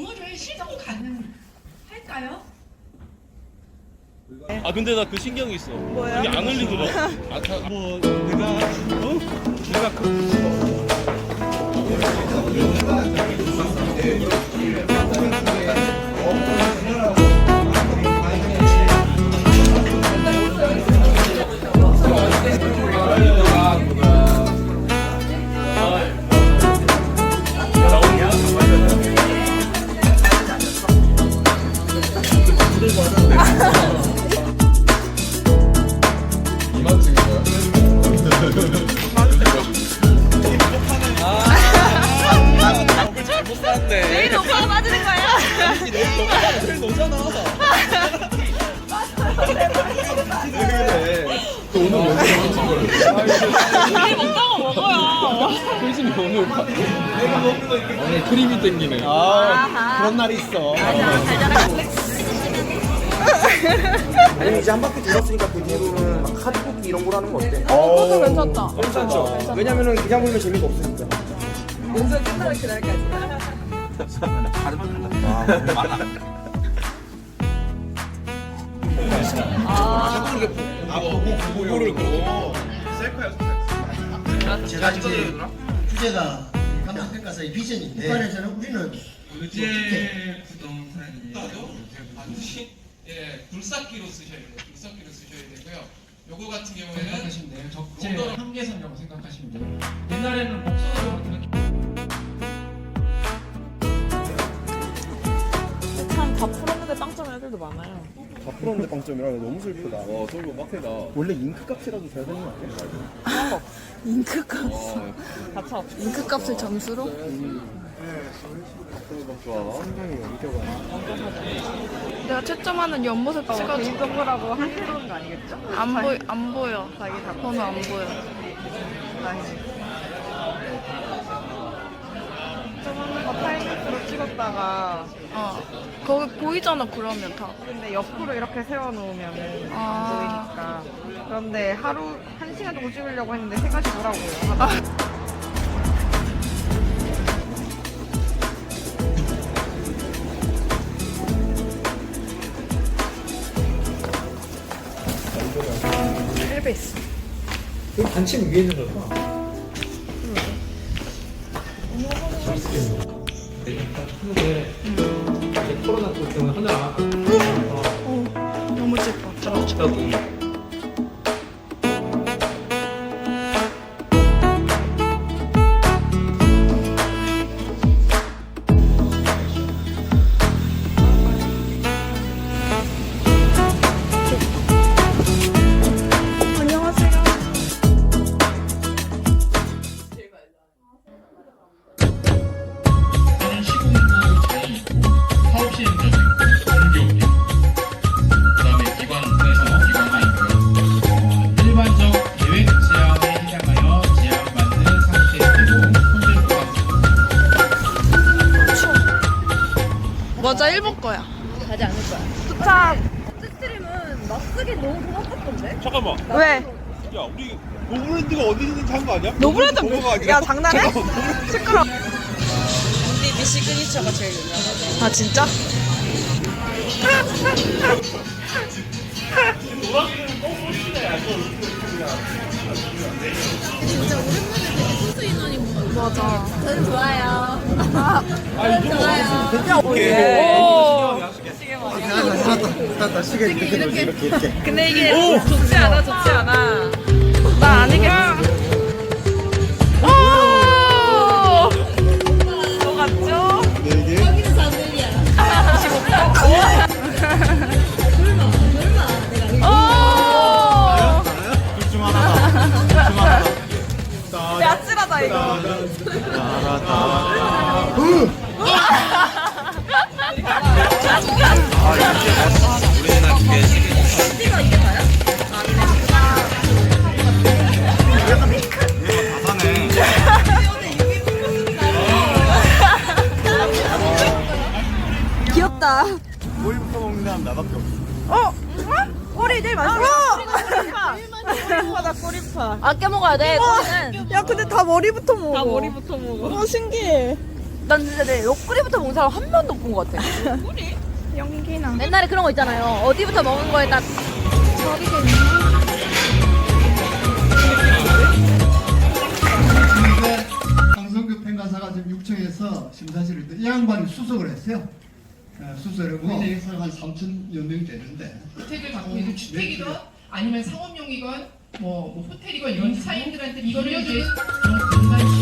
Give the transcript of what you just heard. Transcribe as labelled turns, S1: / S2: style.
S1: 동호회 시동 가능할까요?
S2: 아 근데 나 그 신경이 있어.
S3: 뭐야?
S2: 이게 안 흘리더라. 뭐 내가 내가
S3: 내일 오빠가 맞는 거야.
S2: 제일 너잖아.
S3: 내일 먹다가 먹어요.
S2: 훨씬 오늘 오늘 크림이 땡기네.
S4: 아 그런 날이 있어. 아니 이제 한 바퀴 돌았으니까 그 뒤로는 막 카드 뽑기 이런 걸 하는 거 어때?
S3: 그것도 괜찮다.
S4: 괜찮죠. 왜냐면은 그냥 보면 재미가 없으니까.
S3: 공선 끝나는 그날까지.
S2: 보고를 고
S5: 제가 지금 주제가 감독평가사의 비전인데 이번에서는 우리는
S6: 의제 부동산이 반드시 굴삭기로 쓰셔야 돼요. 굴삭기로 쓰셔야 되고요. 요거 같은 경우에는
S7: 생각하시면 돼요. 적재 한계선이라고 생각하시면 돼요. 옛날에는 목소리로 그렇게
S3: 참 다 풀었는데 빵점 애들도 많아요.
S4: 다 풀었는데 빵점이라 너무 슬프다.
S2: 와 저거 빡세다.
S4: 원래 잉크 값이라도 잘 되는 거 아니야?
S3: 잉크 값. 다쳐. 잉크 값을 점수로?
S2: 좋아.
S4: 상당히 엄격하네.
S3: 내가 채점하는 옆모습 찍어줘.
S8: 개인정보라고 하는 거 아니겠죠?
S3: 안 보여.
S8: 자기 다
S3: 번호 안 보여.
S8: 저번에 거 타임랩스로 찍었다가
S3: 거기 보이잖아 그러면 다.
S8: 근데 옆으로 이렇게 세워놓으면
S3: 아.
S8: 안 보이니까. 그런데 하루 1시간 정도 찍으려고 했는데 3가지 오라고요. 하다가.
S3: 엘베스.
S7: 그 반칙 위에 있는 거구나. 이제 코로나 때문에 하느라
S3: 너무 예뻐.
S6: 저는 시공부 장이 있고 사업 시행자도 있고 공기업이 있고 그다음에 기관에서 기관이 있고요. 일반적 계획 제안에 해당하여 제안받는 상태이고 현재
S3: 맞아 1번 거야.
S8: 가지 않을 거야.
S3: 도착.
S8: 스트림은 낯쓰기 너무 고맙던데?
S2: 잠깐만.
S3: 왜?
S2: 야 우리 노브랜드가 어디 있는지 한 거 아니야?
S3: 노브랜드
S2: 뭐가 아니라?
S3: 야 장난해? 시끄러.
S8: 우리 미 시그니처가 제일 유명하죠.
S3: 아 진짜? 맞아.
S8: 저는 좋아요.
S4: 나 시계 이렇게.
S8: 근데 이게 좋지 않아, 좋지 않아.
S3: 나 아니겠어.
S8: 너 같죠?
S3: 야찔하다 이거. 귀엽다.
S4: 오일부터 먹는 사람 나밖에 없어.
S3: 꼬리 제일 맛있어.
S8: 꼬리파다, 꼬리파.
S3: 아껴 먹어야 돼. 꼬리는.
S8: 야, 근데 다 머리부터 먹어.
S3: 다 머리부터 먹어.
S8: 신기해.
S3: 난 진짜 내 옆구리부터 먹은 사람 한 번도 못 본 것 같아.
S8: 연기나.
S3: 옛날에 그런 거 있잖아요. 어디부터 먹은 거에 딱
S5: 근데 강성규 평가사가 지금 육청에서 심사실을 이 양반이 수석을 했어요. 수석을 하고 우리 회사가 한 3,000여 명 되는데
S7: 주택을 갖고 있는 주택이건 아니면 상업용이건 뭐 호텔이건 이런 사인들한테 이거를 이제